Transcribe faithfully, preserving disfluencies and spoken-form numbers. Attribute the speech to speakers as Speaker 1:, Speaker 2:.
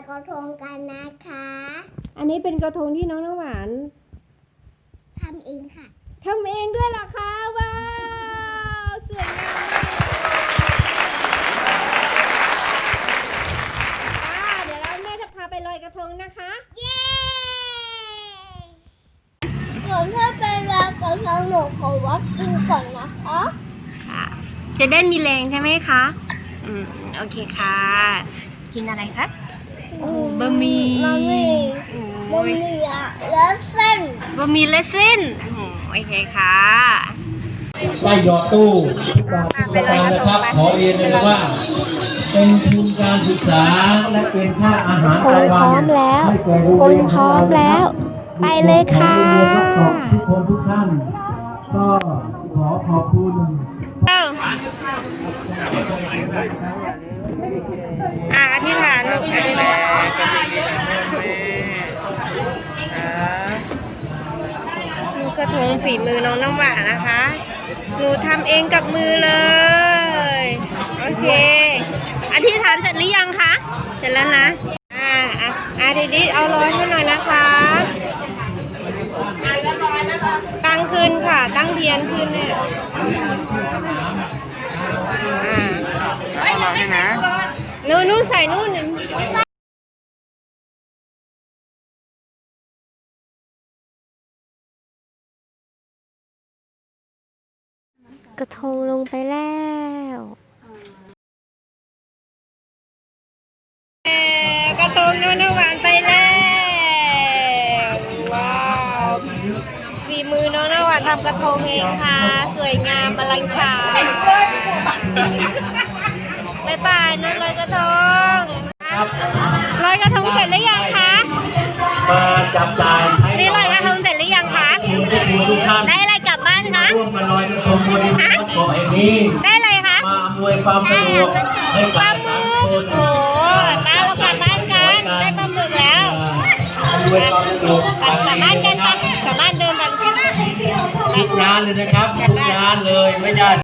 Speaker 1: กระทงกันนะคะ
Speaker 2: อันนี้เป็นกระทงที่น้องน้ำหวาน
Speaker 1: ทำเองค่ะ
Speaker 2: ทำเองด้วยเหรอคะว้าวสวยงามมากเดี๋ยวเราแม่จะพาไปลอยกระทงนะคะ
Speaker 1: เย้ก่อนที่ไปลอยกระทงหนูขอวัดกินก่อนนะคะ
Speaker 2: ค่ะจะได้มีแรงใช่ไหมคะอืมโอเคค่ะกินอะไรคะบะหมี่
Speaker 1: บะหมี่บะหมี่และเส้น
Speaker 2: บะหมี่และเส้นโอเคค่ะ
Speaker 3: ได้หยอดตู้ทุกบาททุกสตางค์นะครับขอเรียนเลยว่าเป็นทุนการศึกษาและเป็นค่าอาหาร
Speaker 2: คนพร้อมแล้วคนพร้อมแล้วไปเลยค่ะ
Speaker 3: ทุกคนทุกท่านก็ขอขอบคุณ
Speaker 2: อ่ะอธิษฐานลูกอธิษฐานลูกกระทงฝีมือน้องน้ำหวานนะคะหนูทำเองกับมือเลยโอเคอธิษฐานเสร็จหรือยังคะเสร็จแล้วนะอ่าอ่ะอ่ะดีดีเอาร้อยให้หน่อยนะคะตั้งขึ้นค่ะตั้งเทียนขึ้นเนี่ยอ่าเอาร้อยให้นะนู่นนู่นใส่นู่นกระทงลงไปแล้วกระทงน้องน้ำหวานไปแล้วว้าวฝีมือน้องน้ำหวานทำกระทงเองค่ะสวยงามอลังฉารบ๊ายบายน้องลอยกระทงลอยกระทงเสร็จหรือยังคะ
Speaker 3: มาจับจ่าย
Speaker 2: นี่ลอยกระทงเสร็จหรือยังคะได้อะไรกลับบ้านคะ
Speaker 3: ร่วมมาลอยกระทงบนเกาะแห่งนี้
Speaker 2: ได้อะไรคะ
Speaker 3: มาอำนวยความสะดวกให้
Speaker 2: ปลา
Speaker 3: กับ
Speaker 2: หมึกโอ้ป้าเรากลับบ้านกันได้ปลาหมึกแล้ว
Speaker 3: อำนวยความสะดวก
Speaker 2: กลับบ้านกันปะกลับบ้านเดินกัน
Speaker 3: ทุกร้านเลยนะครับทุกร้านเลยไม่ได้